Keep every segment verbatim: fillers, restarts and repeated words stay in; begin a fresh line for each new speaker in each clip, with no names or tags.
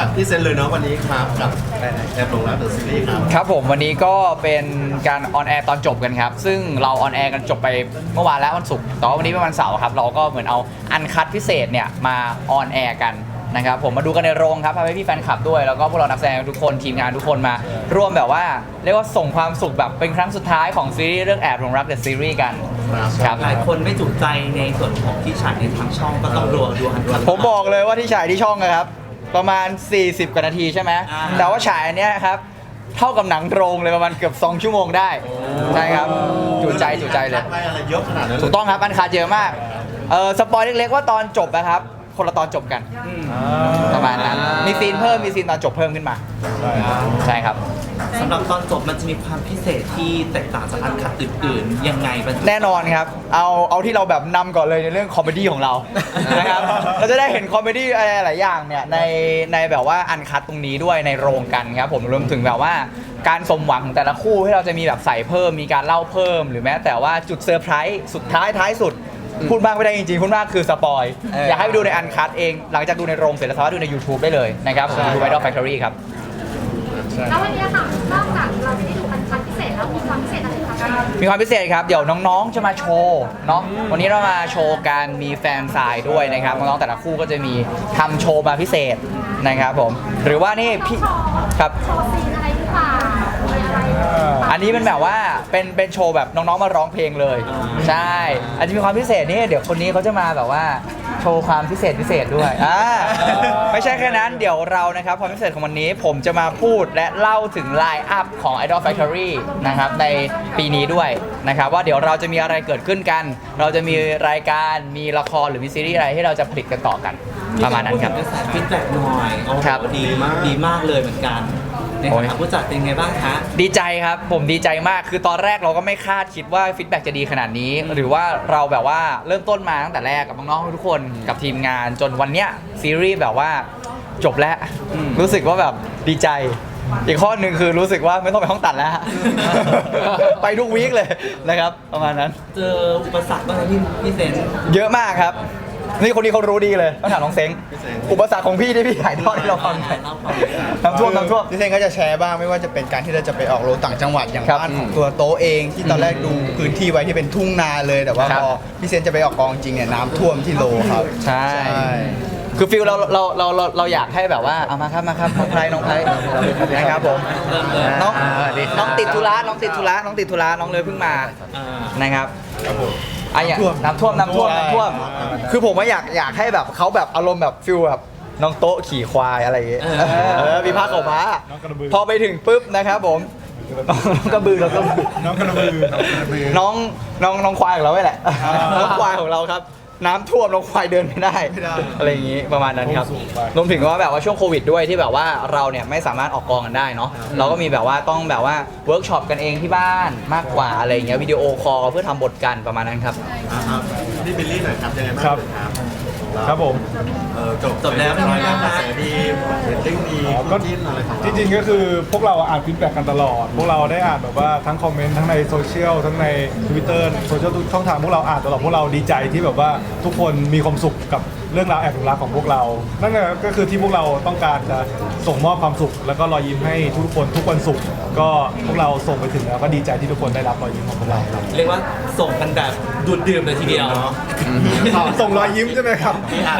จากพี่เซนเลยเนาะวันนี้ครับกับแอบหลงรักเดอะซีรีส์ครับ
ครับผมวันนี้ก็เป็นการออนแอร์ตอนจบกันครับซึ่งเราออนแอร์กันจบไปเมื่อวานแล้ววันศุกร์แต่ว่าวันนี้เป็นวันเสาร์ครับเราก็เหมือนเอาอันคัดพิเศษเนี่ยมาออนแอร์กันนะครับผมมาดูกันในโรงครับพาไปพี่แฟนคลับด้วยแล้วก็พวกเรานักแสดงทุกคนทีมงานทุกคนมาร่วมแบบว่าเรียกว่าส่งความสุขแบบเป็นครั้งสุดท้ายของซีรีส์เรื่องแอบหลงรักเดอะซีรีส์กันครับ
หลายคนไม่จุใจในส่วนของที่ฉายในทางช่องก็ต้องรอดูอันดูอัน
ผมบอกเลยว่าที่ฉายที่ช่องนะครับประมาณสี่สิบกว่านาทีใช่ไหมแต่ว่าฉายอันเนี้ยครับเท่ากับหนังโรงเลยประมาณเกือบสองชั่วโมงได้ใช่ครับจุใจจุใจเลย
อะไรเยอะขนาดนั้น
ถูกต้องครับอันคาเยอะมากเออสปอยเล็กๆว่าตอนจบนะครับคนละตอนจบกันประมาณนั้นมีซีนเพิ่มมีซีนตอนจบเพิ่มขึ้นมาใช่ครับ
สำหรับตอนจบมันจะมีความพิเศษที่แตกต่างจากอันคัดอื่นๆยังไงบ้าง
แน่นอนครับเอาเอาที่เราแบบนำก่อนเลยในเรื่องคอมเมดี้ของเรานะครับเราจะได้เห็นคอมเมดี้อะไรหลายอย่างเนี่ยในในแบบว่าอันคัดตรงนี้ด้วยในโรงกันครับผมรวมถึงแบบว่าการสมหวังของแต่ละคู่ที่เราจะมีแบบใส่เพิ่มมีการเล่าเพิ่มหรือแม้แต่ว่าจุดเซอร์ไพรส์สุดท้ายท้ายสุดพูดมากไม่ได้จริงๆพูดมากคือสปอยอยากให้ไปดูในอันคัดเองหลังจากดูในโรงเสร็จแล้วสามารถดูใน YouTube ได้เลยนะครับผมดู Idol Factory ครับ
แล้ววันนี้ค่ะนอกจากเราจะได้ดูอันคัดพิเศษแล้วมีความพิเศษอะไรคะ
มีความพิเศษครับเดี๋ยวน้องๆจะมาโชว์เนาะวันนี้เรามาโชว์การมีแฟนสายด้วยนะครับน้องๆแต่ละคู่ก็จะมีทำโชว์มาพิเศษนะครับผมหรือว่านี่พี่ครับ
โชว์ซีนอะไรหรือเปล่ามีอะไร
อันนี้เป็นแบบว่าเป็นเป็นโชว์แบบน้องๆมาร้องเพลงเลยใช่อาจจะมีความพิเศษนี่เดี๋ยวคนนี้เขาจะมาแบบว่าโชว์ความพิเศษพิเศษด้วยอ่าไม่ใช่แค่นั้นเดี๋ยวเรานะครับความพิเศษของวันนี้ผมจะมาพูดและเล่าถึงไลน์อัพของ Idol Factory นะครับในปีนี้ด้วยนะครับว่าเดี๋ยวเราจะมีอะไรเกิดขึ้นกันเราจะมีรายการมีละครหรือมีซีรีส์อะไรที่เราจะผลิตกันต่อกันประมาณนั้นครับ
กระแสฟีดแบ็กหน่อยโอ้โหดีมากดีมากเลยเหมือนกันในฐานะผู้จัดเป็นไงบ้างคะ
ดีใจครับผมดีใจมากคือตอนแรกเราก็ไม่คาดคิดว่าฟีดแบ็กจะดีขนาดนี้หรือว่าเราแบบว่าเริ่มต้นมาตั้งแต่แรกกับน้องๆทุกคนกับทีมงานจนวันเนี้ยซีรีส์แบบว่าจบแล้วรู้สึกว่าแบบดีใจอีกข้อหนึ่งคือรู้สึกว่าไม่ต้องไปห้องตัดแล้ว ไปทุกวีคเลยนะครับประมาณนั้น
เจออุปสรรคบ้างไหมพี่พี่เซน
เยอะมากครับนี่คนนี้เขารู้ดีเลยต้องถามน้องเซ้งอุปสรรคของพี่ที่พี่ถ่ายทอดให้เราฟังน้ำท่วมน้ำท่วม
พี่เซนก็จะแชร์บ้างไม่ว่าจะเป็นการที่เราจะไปออกโรงต่างจังหวัดอย่างบ้านของตัวโต๊ะเองที่ตอนแรกดูพื้นที่ไว้ที่เป็นทุ่งนาเลยแต่ว่าพอพี่เซนจะไปออกกองจริงเนี่ยน้ำท่วมที่โลครับ
ใช่คือฟิลเราเราเราเราเราอยากให้แบบว่าเอามาครับมาครับน้องไพรน้องไพรนะครับผมน้องน้องติดธุระน้องติดธุระน้องติดธุระน้องเลยเพิ่งมานะครับไอ้อย่างน้ำท่วมน้ำท่วมน้ำท่วมคือผมว่าอยากอยากให้แบบเขาแบบอารมณ์แบบฟิลแบบน้องโต๊ะขี่ควายอะไรอย่างเงี้ยเออมีผ้าขาวม้าพอไปถึงปุ๊บนะครับผมน้องกระบือน้องกระบือ
น้องกระบือ
น้องน้องน้องควายของเราไว้แหละน้องควายของเราครับน้ำท่วมน้องควายเดินไม่ได้อะไรอย่างงี้ประมาณนั้นครับรวมถึงว่าแบบว่าช่วงโควิดด้วยที่แบบว่าเราเนี่ยไม่สามารถออกกองกันได้เนาะเราก็มีแบบว่าต้องแบบว่าเวิร์กช็อปกันเองที่บ้านมากกว่าอะไรอย่างเงี้ยวิดีโอคอลเพื่อทำบทกันประมาณนั้นครับ
นี่บิลลี่หน่อยครับยังไงบ้างครับ
ครับผม
จบจบแล้วเป็นไงบ้างคะดีเรตติ้งดีก็จิ้นอะไรของเรา
จริงๆก็คือพวกเราอ่านฟีดแบ็กกันตลอดพวกเราได้อ่านแบบว่าทั้งคอมเมนต์ทั้งในโซเชียลทั้งใน Twitter โซเชียลทุกช่องทางพวกเราอ่านตลอดพวกเราดีใจที่แบบว่าทุกคนมีความสุขกับเรื่องราวแอบหลงรักของพวกเรานั่นก็คือที่พวกเราต้องการจะส่งมอบความสุขแล้วก็รอยยิ้มให้ทุกคนทุกวันศุกร์ก็พวกเราส่งไปถึงแล้วก็ดีใจที่ทุกคนได้รับรอยยิ้มของพวกเราครับ
เรียกว่าส่งกันแบบดูดดื่มเลยทีเดียว
ส่งรอยยิ้มใช่ไหมครับ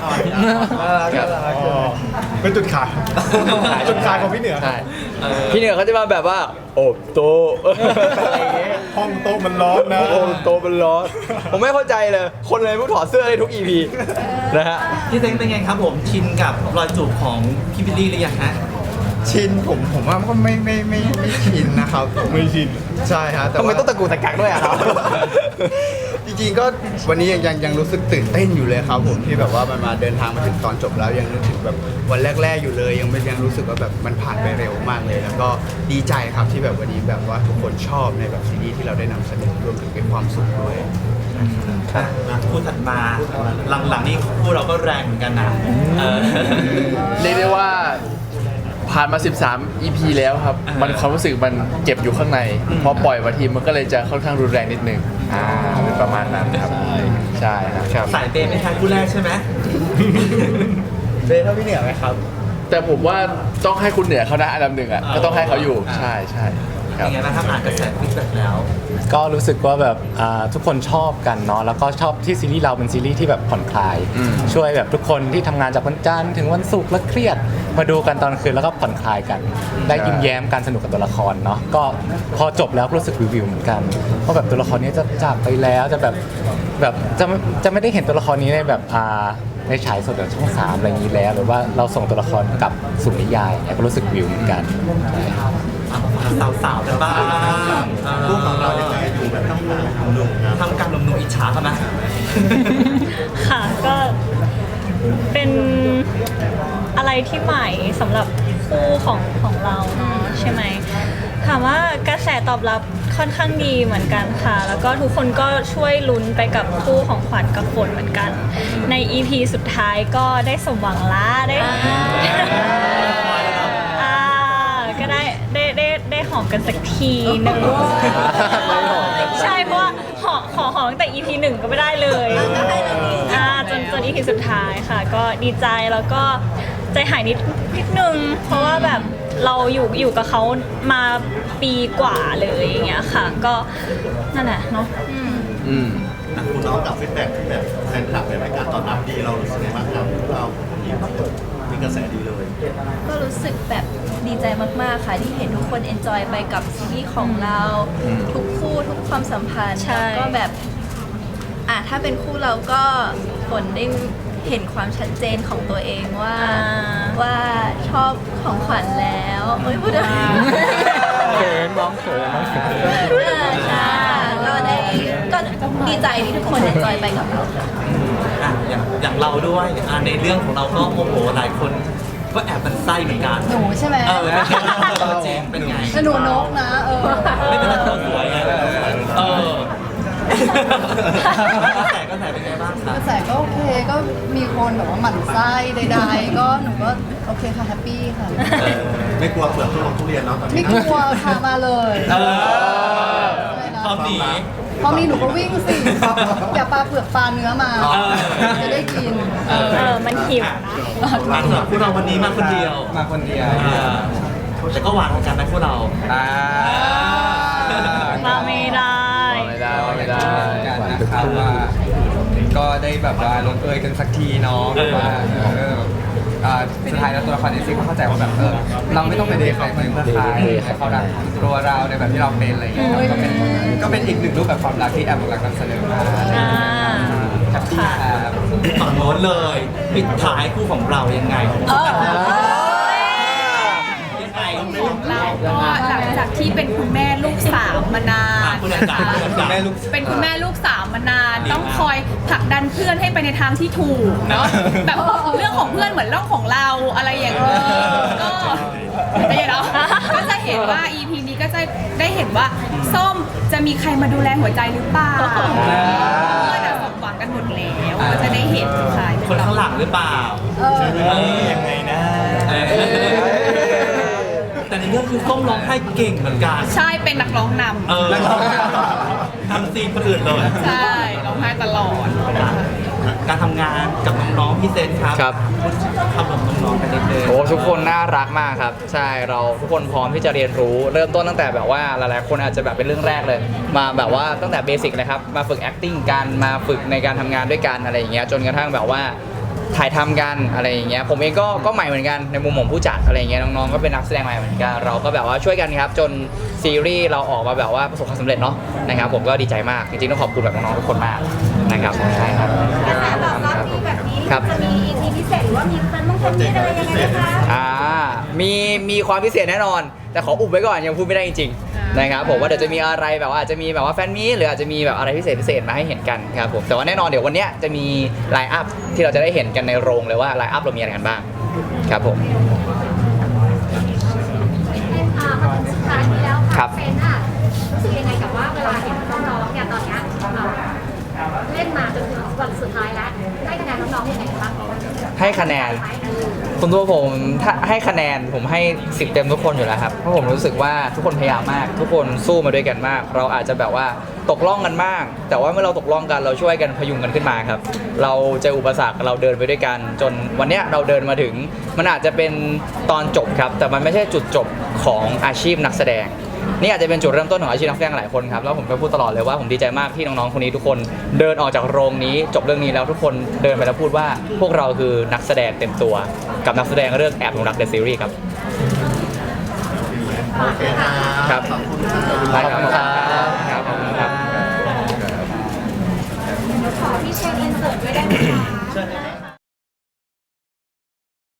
เป็นจุดขายจุดขายของพี่เหนือ
พี่เหนือเขาจะมาแบบว่าโอบโต๊ะ
ห้องโต๊ะมันร้อนนะ
โอบโต๊ะมันร้อนผมไม่เข้าใจเลยคนเลยพวกถอดเสื้อได้ทุก อี พี นะฮะ
พี่เซ้งเป็นไงครับผมชินกับรอยจูบของพี่บิลลี่หรือยังฮะ
ชินผมผมว่าก็ไม่ไม่ไม่ไม่ชินนะครับไม่ชินใช่ฮะ
ทำไมต้องตะกูตะกักด้วยอะครับ
จริงๆก็วันนี้ยังยังยังรู้สึกตื่นเต้นอยู่เลยครับผมที่แบบว่ามันมาเดินทางมาถึงตอนจบแล้วยังนึกถึงแบบวันแรกๆอยู่เลยยังยังรู้สึกว่าแบบมันผ่านไปเร็วมากเลยแล้วก็ดีใจครับที่แบบวันนี้แบบว่าทุกคนชอบในแบบซีรีส์ที่เราได้นำเสนอรวมถึงเป็นความสุขด้วย
คู่ถัดมาหลังๆนี้คู่เราก็แรงเหมือนกันนะ
เรียกได้ว่าผ่านมาสิบสาม อี พี แล้วครับมันความรู้สึกมันเก็บอยู่ข้างในพอปล่อยมาทีมันก็เลยจะค่อนข้างรุนแรงนิดนึงอ่าเป็นประมาณนั้นครับใช่ครับ
สายเปย์ไม่ใช่คู่แรกใช่ไหม
เปย์เท่าพี่เหนือไหมครับ
แต่ผมว่าต้องให้คุณเหนือเขานะอันดับหนึ่งอ่ะก็ต้องให้เขาอยู่ใช่ใช่ค
เป็
รับ
นไงบ้างครับอ่านกระแสฟีดแบ็กแล้ว
ก็รู้สึกว่าแบบอ่าทุกคนชอบกันเนาะแล้วก็ชอบที่ซีรีส์เราเป็นซีรีส์ที่แบบผ่อนคลาย
อืม
ช่วยแบบทุกคนที่ทำงานจากวันจันทร์ถึงวันศุกร์แล้วเครียด มาดูกันตอนคืนแล้วก็ผ่อนคลายกัน ได้ยิ้มแย้มการสนุกกับตัวละครเนาะก็พอจบแล้วก็รู้สึกวิวๆเหมือนกันว่าแบบตัวละครนี้จะจากไปแล้วจะแบบแบบจะไม่จะไม่ได้เห็นตัวละครนี้ในแบบอ่าในฉายสดจากช่องสามอะไรอย่างนี้แล้ว หรือว่าเราส่งตัวละครกลับสู่นิยายเนี่ยก็รู้สึกวิวเหมือนกัน
สาวๆกันบ้างลูกของเรายังไงอยู่แบบทำงานหนุ่มทำการหนุ่มๆอิจฉาเขาไหม
ค่ะก็เป็นอะไรที่ใหม่สำหรับคู่ของของเราเนาะใช่ไหมถามว่ากระแสตอบรับค่อนข้างดีเหมือนกันค่ะ แล้วก็ทุกคนก็ช่วยลุ้นไปกับคู่ของขวัญกับฝนเหมือนกัน ใน อี พี สุดท้ายก็ได้สมหวังละได้อ่าก็ได้ได้ได้ได้หอมกันสักทีหนึ่งใช่เพราะว่าหอขอหอมตั้งแต่ อี พี หนึ่งก็ไม่ได้เลยอ่าจนจน อี พี สุดท้ายค่ะ ก็ดีใจแล้วก็ใจหายนิดนิดนึงเพราะว่าแบบเราอยู่อยู่กับเขามาปีกว่าเลยอย่างเงี้ยค่ะ ก็นั่นแหละเนาะ
อืม
คุณน้องกับฟีดแบ็กแบบแฟนคลับในรายการตอบรับดีเรารู้สึกไงบ้างครับเรามีกระแสดีเลย
ก็รู้สึกแบบดีใจมาก ๆ ค่ะ ที่เห็นทุกคนเอนจอยไปกับซีรีส์ของเรา
อืม
ทุกคู่ทุกความสัมพันธ์
ใช่
แล้วก็แบบอ่ะถ้าเป็นคู่เราก็ฝนได้เห็นความชัดเจนของตัวเองว่า
อ่า
ว่าชอบของขวัญแล้วเฮ้ยพูดอะไร
เขินน้องเขินน้องเขิน
อ่าใช่ก็ได้ก็ดีใจที่ทุกคนเอนจอยไปกับเราค่ะ
อ่ะอย่างอย่างเราด้วยอ่ะในเรื่องของเราก็โอ้โหหลายคนก็แอบมันไส้เหมือนกัน
หนูใช่ไหม
เออเป็นไงตัวจริงเป็นไง
แต่หนูนกนะ เออ
ไม่เป็นไรเราสวยไงเออแต่ก็แต่เป็นไงบ้างค
ก
รับ
ระแสก็โอเค ก็มีคนแบบว่าหมั่นไส้ใดๆ ก็หนูก็โอเคค่ะแฮปปี้ค่ะ
ไม่กลัวเปลือกทุลงทุเรียนเนาะตอน
ไม่
นี้
กลัวค่ะมาเลย
เออ
อะไรนะ
พร้อมหนี
พอมีหนูก็วิ่งสิ อย่าปลาเปลือกปลาเนื้อมา
เออ
จะได้กิน
เออมันหิวนะ
อ่ะสำหรับพวกเราวันนี้มาคนเดียว
มาคนเดียว
อ่าแต่ก็หวานเหมือนกันนะพวกเรา
อ่า
มาไม่ได้
ไม่ได้ไม่ได้
กันนะครับว่าก็ได้แบบว่าลงเอยกันสักทีเนาะแบบว่าเอออ่าสุดท้ายแล้วตัวละครเอซี่ก็เข้าใจว่าแบบเออเราไม่ต้องไปเดทใครเพื่อใครให้เขารักตัวเราในแบบที่เราเป็นอะไรอย่างเงี้ยก็เป็นก็เป็นอีกหนึ่งรูปแบบความรักที่แอมกำลังนำเสนอมา
อ่า
แฮปปี้ครับ
ฝั่งโน้นเลย ปิดท้ายคู่ของเรายังไงยังไง
เราก็หลังจากที่เป็นคุณแม่ลูกสามมานาน
อ่ะคุณอาจารย์คุณอาจารย์
เป็นคุณแม่ลูกสามมานาน ต้องคอยผลักดันเพื่อนให้ไปในทางที่ถูกเนาะแบบเรื่องของเพื่อนเหมือนเรื่องของเราอะไรอย่างเงี้ยก็ไม่ใช่เนาะก็จะเห็นว่า อี พี นี้ก็จะได้เห็นว่าส้มจะมีใครมาดูแลหัวใจหรือเปล่าเพื่อนอะสมหวังกันหมดแล้วก็จะได้เห็นใคร
คนข้างหลังหรือเปล่า
เออ
ยังไงนะแต่ในเรื่องคือส้มร้องไห้เก่งเหมือนกัน
ใช่เป็นนักร้องนำ
เออทำซีนคนอื่นเลย
ใช่ร้องไห้ตลอด
การทำงานกับน้องๆพี่เซนครับ
ครับ
พูดคำกับน้องๆกันนิดนึง
โอ้ทุกคนน่ารักมากครับ ใช่เราทุกคนพร้อมที่จะเรียนรู้ เริ่มต้นตั้งแต่แบบว่าหลายๆคนอาจจะแบบเป็นเรื่องแรกเลย มาแบบว่าตั้งแต่เบสิกเลยครับมาฝึก acting กันมาฝึกในการทำงานด้วยกันอะไรอย่างเงี้ยจนกระทั่งแบบว่าถ่ายทำกันอะไรอย่างเงี้ยผมเองก็ก็ใหม่เหมือนกันในมุมของผู้จัดอะไรอย่างเงี้ยน้องๆก็เป็นนักแสดงใหม่เหมือนกันเราก็แบบว่าช่วยกันครับจนซีรีส์เราออกมาแบบว่าประสบความสำเร็จเนาะนะครับผมก็ดีใจมากจริงๆต้องขอบคุณแบบน้องๆทุกคนมากนะครับใช่ครับ
กระแสตอบรับดีแบบนี้
ครับ
จะมี อี พี พิเศษหรือว่ามีแฟนต้องคนนี้อะไรยังไงนะคะ
อ่ามีมีความพิเศษแน่นอน แต่ขออุบไว้ก่อนยังพูดไม่ได้จริงๆนะครับผมว่าเดี๋ยวจะมีอะไรแบบว่าอาจจะมีแบบว่าแฟนมีตหรืออาจจะมีแบบอะไรพิเศษพิเศษมาให้เห็นกันครับผมแต่ว่าแน่นอนเดี๋ยววันเนี้ยจะมีไลน์อัพที่เราจะได้เห็นกันในโรงเลยว่าไลน์อัพเรามีอะไรกันบ้างครับผม
อ่ามาถึงสุดท้ายนี้แล้ว
ครั
ค่ะ
บ
เซนอ่ะรู้สึกยังไงกับว่าเวลาเห็นน้องๆเนี่ยตอนเนี้ยเอ่อเล่นมาจนถึงวันสุดท้ายแล้วให้คะแนนน้องๆยังไงบ้าง
ให้คะแนนคุณตัวผมถ้าให้คะแนนผมให้สิบเต็มทุกคนอยู่แล้วครับเพราะผมรู้สึกว่าทุกคนพยายามมาก ทุกคนสู้มาด้วยกันมาก เราอาจจะแบบว่าตกล่องกันมาก แต่ว่าเมื่อเราตกล่องกันเราช่วยกันพยุงกันขึ้นมาครับเราเจออุปสรรคเราเดินไปด้วยกัน จนวันเนี้ยเราเดินมาถึงมันอาจจะเป็นตอนจบครับแต่มันไม่ใช่จุดจบของอาชีพนักแสดงนี่อาจจะเป็นจุดเริ่มต้นของอาชีพนักแสดงหลายคนครับแล้วผมก็พูดตลอดเลยว่าผมดีใจมากที่น้องๆคนนี้ทุกคนเดินออกจากโรงนี้จบเรื่องนี้แล้วทุกคนเดินไปแล้วพูดว่าพวกเราคือนักแสดงเต็มตัวกับนักแสดงเรื่องแอบหลงรักเดอะซีรีส์ครับ
โอเคครับ
ครับ
ขอบคุณครับ
ได้ครับ